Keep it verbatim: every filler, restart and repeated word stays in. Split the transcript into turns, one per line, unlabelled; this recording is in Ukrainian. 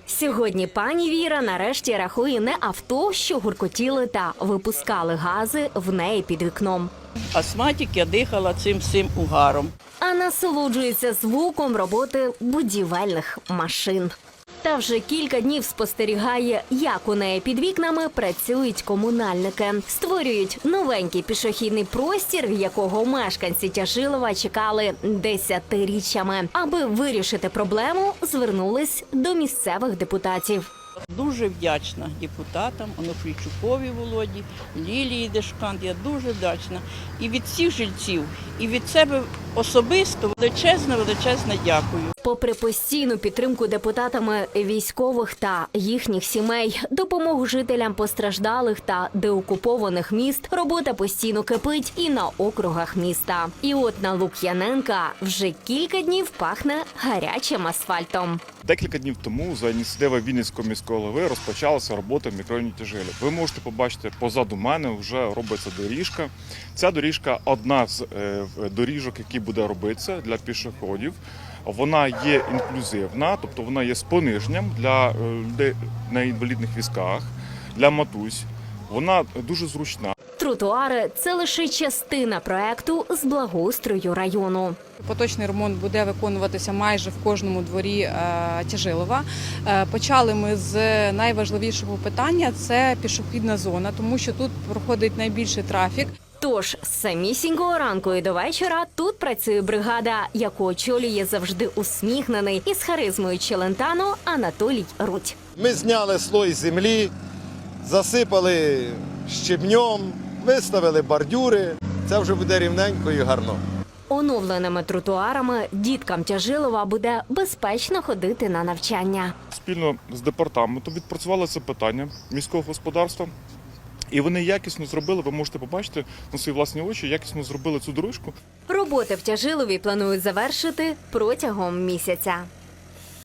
Сьогодні пані Віра нарешті рахує не авто, що гуркотіли та випускали гази в неї під вікном,
Астматик, я дихала цим всім угаром.
а насолоджується звуком роботи будівельних машин. Та вже кілька днів спостерігає, як у неї під вікнами працюють комунальники. Створюють новенький пішохідний простір, якого мешканці Тяжилова чекали десятиріччями. Аби вирішити проблему, звернулись до місцевих депутатів.
Дуже вдячна депутатам, Онуфрійчукові Володі, Лілії Дешкант. Я дуже вдячна. І від всіх жильців, і від себе особисто величезне, величезне дякую.
Попри постійну підтримку депутатами військових та їхніх сімей, допомогу жителям постраждалих та деокупованих міст, робота постійно кипить і на округах міста. І от на Лук'яненка вже кілька днів пахне гарячим асфальтом.
Декілька днів тому за ініціативи Вінницького міського голови розпочалася робота в мікрорайоні Тяжилів. Ви можете побачити, позаду мене вже робиться доріжка. Ця доріжка – одна з е, доріжок, які буде робитися для пішоходів. Вона є інклюзивна, тобто вона є з пониженням для людей на інвалідних візках, для матусь. Вона дуже зручна.
Тротуари – це лише частина проекту з благоустрою району.
Поточний ремонт буде виконуватися майже в кожному дворі е, Тяжилова. Е, почали ми з найважливішого питання – це пішохідна зона, тому що тут проходить найбільший трафік.
Тож з самісінького ранку і до вечора тут працює бригада, яку очолює завжди усміхнений із харизмою Челентано Анатолій Рудь.
Ми зняли слой землі, засипали щебнем, виставили бордюри. Це вже буде рівненько і гарно.
Оновленими тротуарами діткам Тяжилова буде безпечно ходити на навчання.
Спільно з департаментом відпрацювали це питання міського господарства. І вони якісно зробили, ви можете побачити на свої власні очі, якісно зробили цю дорожку.
Роботи в Тяжилові планують завершити протягом місяця.